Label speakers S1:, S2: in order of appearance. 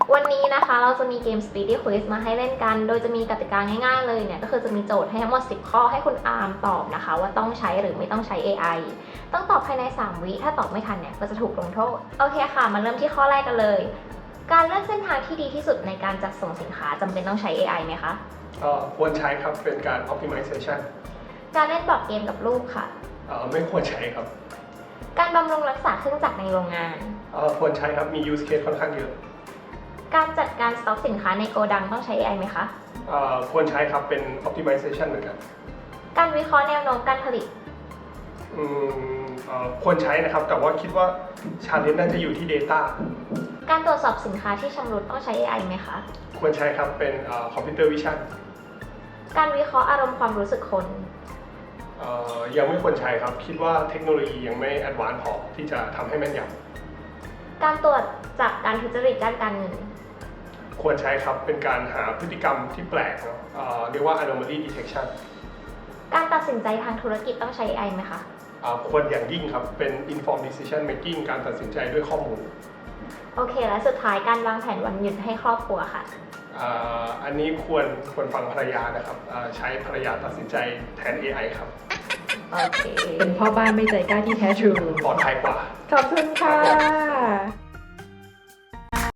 S1: วันนี้นะคะเราจะมีเกม Speedy Quiz มาให้เล่นกัน โดยจะมีกติกาง่ายๆเลยเนี่ยก็คือจะมีโจทย์ให้ทั้งหมด10ข้อให้คุณอาร์มตอบนะคะว่าต้องใช้หรือไม่ต้องใช้ AI ต้องตอบภายใน3วิถ้าตอบไม่ทันเนี่ยก็จะถูกลงโทษโอเคค่ะมาเริ่มที่ข้อแรกกันเลยการเลือกเส้นทางที่ดีที่สุดในการจัดส่งสินค้าจำเป็นต้องใช้ AI ไหมคะ
S2: ควรใช้ครับเป็นการ optimization
S1: การเล่นบอร์ดเกมกับลูกค่ะ
S2: ไม่ควรใช้ครับ
S1: การบำรุงรักษาเครื่องจักรในโรงงาน
S2: ควรใช้ครับมี use case ค่อนข้างเยอะ
S1: การจัดการสต็อกสินค้าในโกดังต้องใช้ AI ไหมคะ
S2: ควรใช้ครับเป็น optimization เหมือนกัน
S1: การวิเคราะห์แนวโน้มการผลิต
S2: ควรใช้นะครับแต่ว่าคิดว่า challenge น่าจะอยู่ที่ data
S1: การตรวจสอบสินค้าที่ชำรุดต้องใช้ AI ไหมคะ
S2: ควรใช้ครับเป็น computer vision
S1: การวิเคราะห์อารมณ์ความรู้สึกคน
S2: ยังไม่ควรใช้ครับคิดว่าเทคโนโลยียังไม่ advanced พอที่จะทำให้แม่นย
S1: ำการตรวจจับการทุจริตด้านการเงิน
S2: ควรใช้ครับเป็นการหาพฤติกรรมที่แปลกเรียกว่า anomaly detection
S1: การตัดสินใจทางธุรกิจต้องใช้ AI ไหมคะ
S2: ควรอย่างยิ่งครับเป็น informed decision making การตัดสินใจด้วยข้อมูล
S1: โอเคและสุดท้ายการวางแผนวันหยุดให้ครอบครัวค่ะ
S2: อันนี้ควรฟังภรรยานะครับใช้ภรรยาตัดสินใจแทน AI ครับ
S1: โอเค
S3: เป็นพ่อบ้านไม่ใจกล้าที่แท้ทรู
S2: ปลอดภัยกว่า
S3: ขอบคุณค่ะ